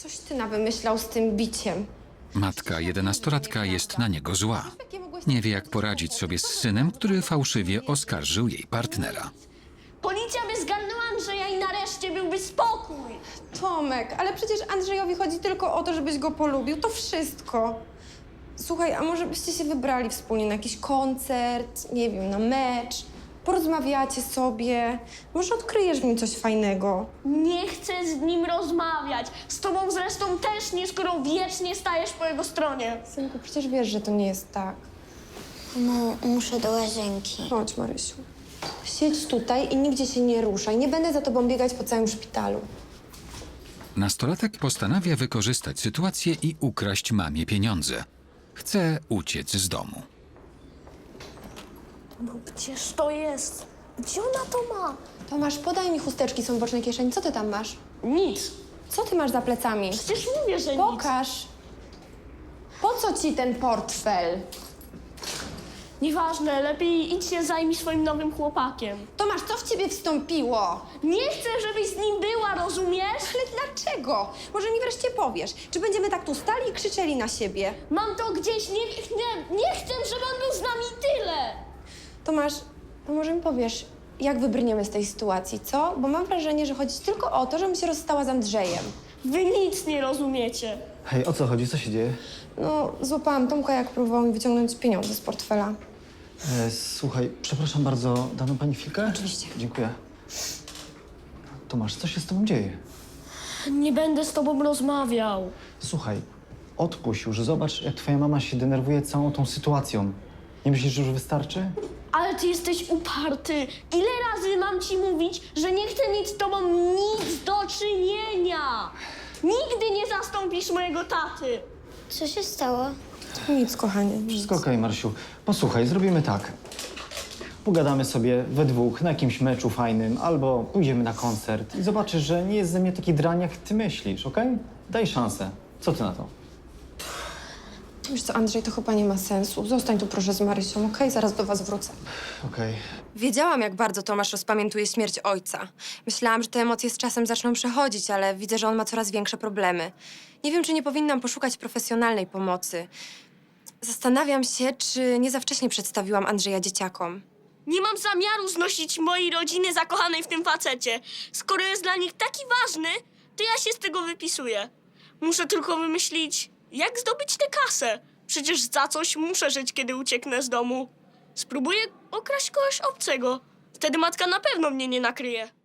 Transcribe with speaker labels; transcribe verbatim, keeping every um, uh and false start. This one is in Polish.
Speaker 1: Coś ty nawymyślał z tym biciem.
Speaker 2: Matka jedenastolatka jest na niego zła. Nie wie, jak poradzić sobie z synem, który fałszywie oskarżył jej partnera.
Speaker 3: Policja by zgarnęła Andrzeja i nareszcie byłby spokój.
Speaker 1: Tomek, ale przecież Andrzejowi chodzi tylko o to, żebyś go polubił. To wszystko. Słuchaj, a może byście się wybrali wspólnie na jakiś koncert, nie wiem, na mecz? Porozmawiacie sobie. Może odkryjesz w nim coś fajnego.
Speaker 3: Nie chcę z nim rozmawiać. Z tobą zresztą też nie, skoro wiecznie stajesz po jego stronie.
Speaker 1: Synku, przecież wiesz, że to nie jest tak.
Speaker 4: No, muszę do łazienki.
Speaker 1: Chodź, Marysiu. Siedź tutaj i nigdzie się nie ruszaj. Nie będę za tobą biegać po całym szpitalu.
Speaker 2: Nastolatek postanawia wykorzystać sytuację i ukraść mamie pieniądze. Chce uciec z domu.
Speaker 3: No gdzież to jest? Gdzie ona to ma?
Speaker 1: Tomasz, podaj mi chusteczki, są w bocznej kieszeni. Co ty tam masz?
Speaker 3: Nic.
Speaker 1: Co ty masz za plecami?
Speaker 3: Przecież mówię, że nic.
Speaker 1: Pokaż. Po co ci ten portfel?
Speaker 3: Nieważne, lepiej idź się zajmij swoim nowym chłopakiem.
Speaker 1: Tomasz, co w ciebie wstąpiło?
Speaker 3: Nie chcę, żebyś z nim była, rozumiesz?
Speaker 1: Ale dlaczego? Może mi wreszcie powiesz, czy będziemy tak tu stali i krzyczeli na siebie?
Speaker 3: Mam to gdzieś, nie, nie, nie chcę, żeby on był z nami i tyle.
Speaker 1: Tomasz, to może mi powiesz, jak wybrniemy z tej sytuacji, co? Bo mam wrażenie, że chodzi tylko o to, żebym się rozstała z Andrzejem.
Speaker 3: Wy nic nie rozumiecie.
Speaker 5: Hej, o co chodzi? Co się dzieje?
Speaker 1: No, złapałam Tomka, jak próbował mi wyciągnąć pieniądze z portfela.
Speaker 5: E, słuchaj, przepraszam bardzo, da nam pani chwilkę?
Speaker 1: Oczywiście.
Speaker 5: Dziękuję. Tomasz, co się z tobą dzieje?
Speaker 3: Nie będę z tobą rozmawiał.
Speaker 5: Słuchaj, odpuść już, zobacz, jak twoja mama się denerwuje całą tą sytuacją. Nie myślisz, że już wystarczy?
Speaker 3: Ale ty jesteś uparty. Ile razy mam ci mówić, że nie chcę mieć z tobą nic do czynienia? Nigdy nie zastąpisz mojego taty.
Speaker 4: Co się stało?
Speaker 1: Nic, kochanie. Nic.
Speaker 5: Wszystko okej, Marysiu. Posłuchaj, zrobimy tak. Pogadamy sobie we dwóch na jakimś meczu fajnym, albo pójdziemy na koncert i zobaczysz, że nie jest ze mnie taki drań, jak ty myślisz, okej? Daj szansę. Co ty na to?
Speaker 1: Wiesz co, Andrzej, to chyba nie ma sensu. Zostań tu proszę z Marysią, okej? Zaraz do was wrócę.
Speaker 5: Okej.
Speaker 1: Wiedziałam, jak bardzo Tomasz rozpamiętuje śmierć ojca. Myślałam, że te emocje z czasem zaczną przechodzić, ale widzę, że on ma coraz większe problemy. Nie wiem, czy nie powinnam poszukać profesjonalnej pomocy. Zastanawiam się, czy nie za wcześnie przedstawiłam Andrzeja dzieciakom.
Speaker 3: Nie mam zamiaru znosić mojej rodziny zakochanej w tym facecie. Skoro jest dla nich taki ważny, to ja się z tego wypisuję. Muszę tylko wymyślić, jak zdobyć tę kasę. Przecież za coś muszę żyć, kiedy ucieknę z domu. Spróbuję okraść kogoś obcego. Wtedy matka na pewno mnie nie nakryje.